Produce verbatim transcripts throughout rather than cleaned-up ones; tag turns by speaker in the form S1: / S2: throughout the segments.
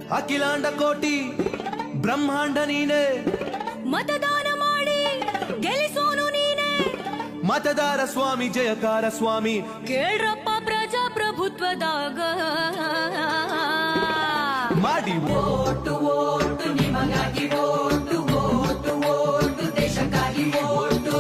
S1: ಅಖಿಲಾಂಡ ಕೋಟಿ ಬ್ರಹ್ಮಾಂಡ ನೀನೆ,
S2: ಮತದಾನ ಮಾಡಿ ಗೆಲ್ಲಿಸೋನು ನೀನೆ,
S1: ಮತದಾರ ಸ್ವಾಮಿ ಜಯಕಾರ ಸ್ವಾಮಿ,
S2: ಕೇಳ್ರಪ್ಪ ಪ್ರಜಾಪ್ರಭುತ್ವದಾಗ
S1: ಮಾಡಿ
S2: ಓಟು ಓಟು ನಿಮಗಾಗಿ ಓಟು ಓಟು ಓಟು ದೇಶಕ್ಕಾಗಿ ಓಟು.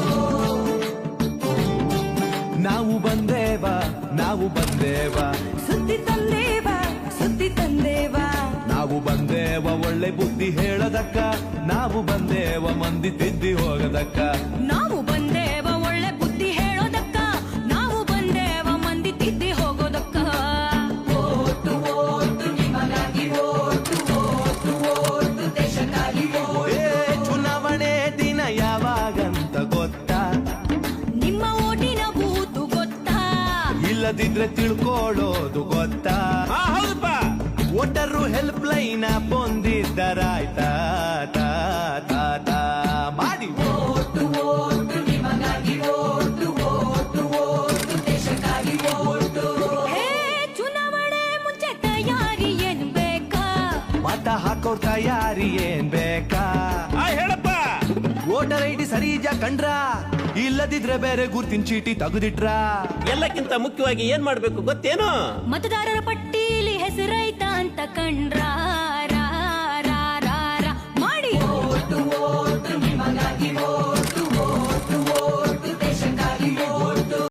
S1: ನಾವು ಬಂದೇವ ನಾವು ಬಂದೇವ
S2: ಸುದ್ದಿ ತಂದೇವ ಸುದ್ದಿ ತಂದೇವ,
S1: ನಾವು ಬಂದೇವ ಒಳ್ಳೆ ಬುದ್ಧಿ ಹೇಳದಕ್ಕ, ನಾವು ಬಂದೇವ ಮಂದಿ ತಿದ್ದಿ ಹೋಗದಕ್ಕ,
S2: ನಾವು ಬಂದೇವ ಒಳ್ಳೆ ಬುದ್ಧಿ ಹೇಳೋದಕ್ಕ, ನಾವು ಬಂದೇವ ಮಂದಿ ತಿದ್ದಿ ಹೋಗೋದಕ್ಕ. ಓಟು ಓಟು ನಿಮಗಾಗಿ ಓಟು ಓಟು ಓಟು ದೇಶಕ್ಕಾಗಿ ಓಟು.
S1: ಏ ಚುನಾವಣೆ ದಿನ ಯಾವಾಗಂತ ಗೊತ್ತಾ?
S2: ನಿಮ್ಮ ಓಟಿನ ಬೂತು ಗೊತ್ತಾ?
S1: ಇಲ್ಲದಿದ್ರೆ ತಿಳ್ಕೊಳ್ಳೋದು ಗೊತ್ತಾ?
S3: ಹೌದಪ್ಪ.
S1: ವೋಟರು ಹೆಲ್ಪ್ ಲೈನ್ ಬಂದಿದ್ದರಾಯ್ತಾ ತಾ ತಾ ತಾ ಮಾಡಿ
S2: ಓಟು ಓಟು ನಿಮಗಾಗಿ ಓಟು ಓಟು ಓಟು ದೇಶಕ್ಕಾಗಿ ಓಟು. ಹೇ ಚುನಾವಣೆ ಮುಂಚೆ ತಯಾರಿ ಏನ್ ಬೇಕಾ?
S1: ಮತ ಹಾಕೋರ್ ತಯಾರಿ ಏನ್ ಬೇಕಾ?
S3: ಆ, ಹೇಳಪ್ಪ.
S1: ವೋಟರ್ ಐ ಡಿ ಸರಿಜ ಕಂಡ್ರ, ಇಲ್ಲದಿದ್ರೆ ಬೇರೆ ಗುರ್ತಿನ ಚೀಟಿ ತೆಗೆದಿಟ್ರ.
S3: ಎಲ್ಲಕ್ಕಿಂತ ಮುಖ್ಯವಾಗಿ ಏನ್ ಮಾಡ್ಬೇಕು ಗೊತ್ತೇನು?
S2: ಮತದಾರರ ಪಟ್ಟೀಲಿ ಹೆಸರೈತ ಅಂತ ಕಂಡ್ರ,